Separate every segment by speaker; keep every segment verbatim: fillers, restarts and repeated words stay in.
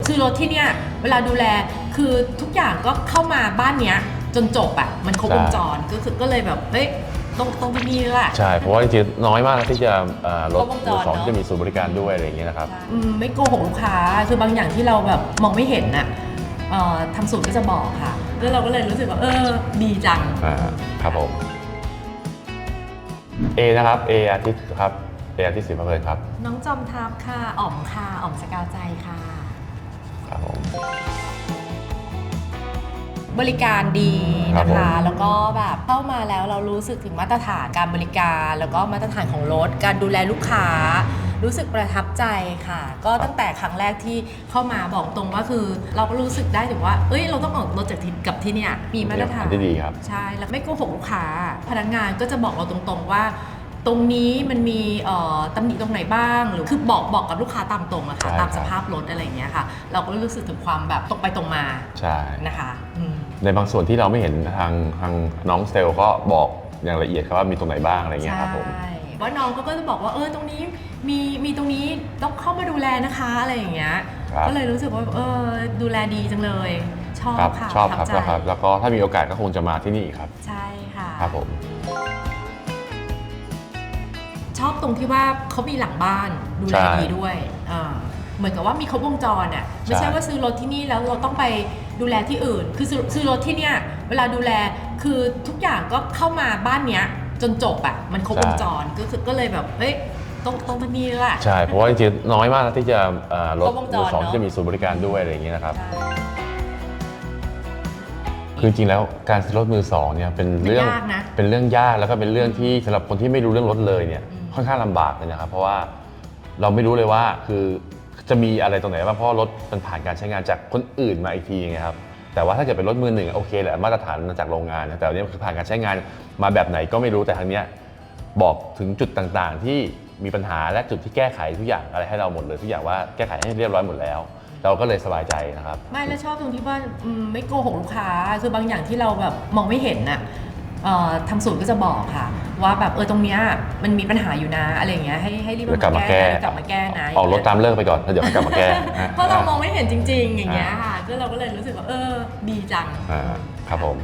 Speaker 1: คือรถที่เนี่ยเวลาดูแลคือทุกอย่างก็เข้ามาบ้านเนี้ยจนจบอ่ะมันครบวงจรก็คือก็เลยแบบเฮ้ยต้องต้องที่นี่แหละ
Speaker 2: ใช่เพราะว่าจริงๆน้อยมากที่จะรถมือสองที่จะมีศูนย์บริการด้วยอะไรอย่างเงี้ยนะครับ
Speaker 1: ไม่โกหกลูกค้าคือบางอย่างที่เราแบบมองไม่เห็นน่ะทำสูตรก็จะบอกค่ะแล้วเราก็เลยรู้สึกว่าเออดีจัง
Speaker 2: อ่าครับผมเอนะครับเออาทิตย์ครับเออาทิตย์ศรีพะเพลินครับ
Speaker 1: น้องจอมทัพค่ะอ๋อมค่ะอ๋อมสกาวใจค่ะ
Speaker 2: ครับผม
Speaker 1: บริการดีนะคะแล้วก็แบบเข้ามาแล้วเรารู้สึกถึงมาตรฐานการบริการแล้วก็มาตรฐานของรถการดูแลลูกค้ารู้สึกประทับใจค่ะก็ตั้งแต่ครั้งแรกที่เข้ามาบอกตรงว่าคือเราก็รู้สึกได้ถึงว่าเอ้ยเราต้องออกรถจากที่กับที่เนี่ยมีมาตรฐาน
Speaker 2: ที่ดีครับ
Speaker 1: ใช่แล้วไม่โกหกลูกค้าพนักงานก็จะบอกเราตรงๆว่าตรงนี้มันมีตำหนิตรงไหนบ้างหรือคือบอกบอกกับลูกค้าตามตรงอะค่ะตามสภาพรถอะไรอย่างเงี้ยค่ะเราก็รู้สึกถึงความแบบตรงไปตรงมา
Speaker 2: ใช่
Speaker 1: นะคะ
Speaker 2: ในบางส่วนที่เราไม่เห็นทางทางน้องเซลก็บอกอย่างละเอียดครับว่ามีตรงไหนบ้างอะไรเงี้ยครับผม
Speaker 1: ใช่ว่าน้องก็จะบอกว่าเออตรงนี้มีมีตรงนี้ต้องเข้ามาดูแลนะคะอะไรอย่างเงี้ยก็เลยรู้สึกว่าเออดูแลดีจังเลยชอบค่ะ
Speaker 2: ชอบครับครับแล้วก็ถ้ามีโอกาสก็คงจะมาที่นี่ครับ
Speaker 1: ใช่ค่ะ
Speaker 2: ครับผม
Speaker 1: ชอบตรงที่ว่าเขามีหลังบ้านดูแลดีด้วยเหมือนกับว่ามีครบวงจรอ่ะไม่ใช่ว่าซื้อรถที่นี่แล้วเราต้องไปดูแลที่อื่นคือซื้อรถที่เนี่ยเวลาดูแลคือทุกอย่างก็เข้ามาบ้านเนี้ยจนจบอ่ะมันครบวงจรก็คือก็เลยแบบเฮ้ยต้องต้องที่นี่แหละ
Speaker 2: ใช่เพราะว่าจริงๆน้อยมากที่จะรถมือสองที่จะมีศูนย์บริการด้วยอะไรอย่างเงี้ยนะครับคือจริงๆแล้วการซื้อรถมือสองเนี่ยเป็นเรื่องเป็นเรื่องยากแล้วก็เป็นเรื่องที่สำหรับคนที่ไม่รู้เรื่องรถเลยเนี่ยค่อนข้างลำบากเลยนะครับเพราะว่าเราไม่รู้เลยว่าคือจะมีอะไรตรงไหนบ้างเพราะรถมันผ่านการใช้งานจากคนอื่นมาอีกทีไงครับแต่ว่าถ้าเกิดเป็นรถมือหนึ่งโอเคแหละมาตรฐานมาจากโรงงานแต่อันนี้คือผ่านการใช้งานมาแบบไหนก็ไม่รู้แต่ทางเนี้ยบอกถึงจุดต่างๆที่มีปัญหาและจุดที่แก้ไขทุกอย่างอะไรให้เราหมดเลยทุกอย่างว่าแก้ไขให้เรียบร้อยหมดแล้วเราก็เลยสบายใจนะครับ
Speaker 1: ไม่แล้วชอบตรงที่ว่าไม่โกหกลูกค้าคือบางอย่างที่เราแบบมองไม่เห็นน่ะทางศูนย์ก็จะบอกค่ะว่าแบบเออตรงเนี้ยมันมีปัญหาอยู่นะอะไรอย่างเงี้ยให้ให้รีบ
Speaker 2: มาแก้
Speaker 1: กลับมาแก้นะ
Speaker 2: ออกรถตามเลิกไปก่อนแล้วเดี๋ยวกลับมาแก้
Speaker 1: เพราะเรามองไม่เห็นจริงๆอย่างเงี้ยค่ะก็เราก็เลยรู้สึกว่าเออดีจัง
Speaker 2: ครับผม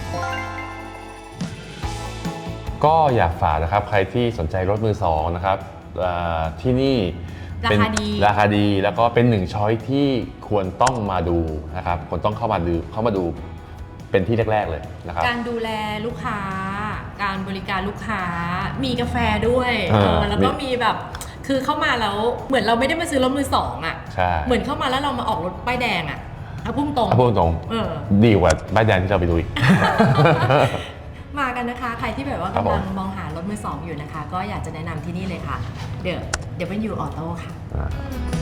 Speaker 2: ก็อยากฝากนะครับใครที่สนใจรถมือสองนะครับที่นี่
Speaker 1: ราคาดี
Speaker 2: ราคาดีแล้วก็เป็นหนึ่งช้อยที่ควรต้องมาดูนะครับควรต้องเข้ามาดูเข้ามาดูเป็นที่แรกๆเลยนะครับ
Speaker 1: การดูแลลูกค้าการบริการลูกค้ามีกาแฟด้วยแล้วก็มีแบบคือเข้ามาแล้วเหมือนเราไม่ได้มาซื้อรถมือสองอ่ะเหมือนเข้ามาแล้วเรามาออกรถป้ายแดงอ่ะเอาพุ่งตรง
Speaker 2: เอาพุ่งตรงดีกว่าป้ายแดงที่เราไปดูอีก
Speaker 1: มากันนะคะใครที่แบบว่ากำลังมองหารถมือสองอยู่นะคะก็อยากจะแนะนำที่นี่เลยค่ะ The ดับเบิลยู Auto ค่ะ